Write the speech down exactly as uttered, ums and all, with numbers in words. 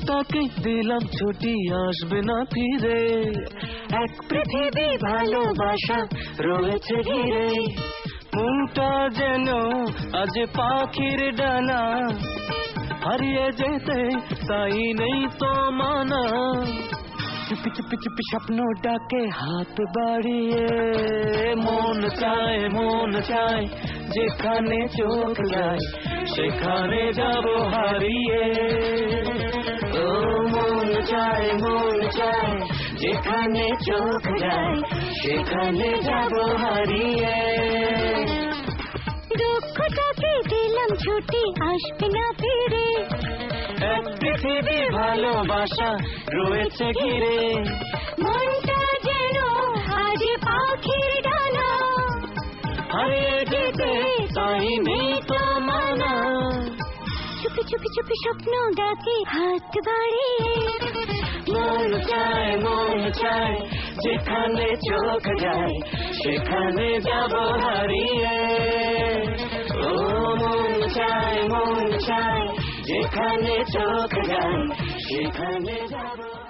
দুঃখটাকে দিলাম ছুটি, আসবে না ফিরে। এক পৃথিবী ভালোবাসা রয়েছে ঘিরে, মনটা যেন আজ পাখির ডানা, হারিয়ে যেতে তাই নেই তো মানা। চুপি চুপি চুপি স্বপ্ন ডাকে হাত বাড়িয়ে, মন চায় মন চায় যেখানে চোখ যায় সেখানে যাব হারিয়ে। ও মন চায় মন চায় যেখানে চোখ যায় সেখানে যাব হারিয়ে। দুঃখটাকে দিলাম ছুটি, আসবে না ফিরে। এক পৃথিবী ভালোবাসা রয়েছে ঘিরে, মনটা যেন আজ পাখির ডানা, হারিয়ে যেতে তাই নেই তো মানা। চুপি চুপি চুপি স্বপ্ন ডাকে হাত বাড়িয়ে, মন চায় মন চায় যেখানে চোখ যায় সেখানে যাব হারিয়ে। ও মন চায় মন চায় যেখানে চোখ যায় সেখানে যাব।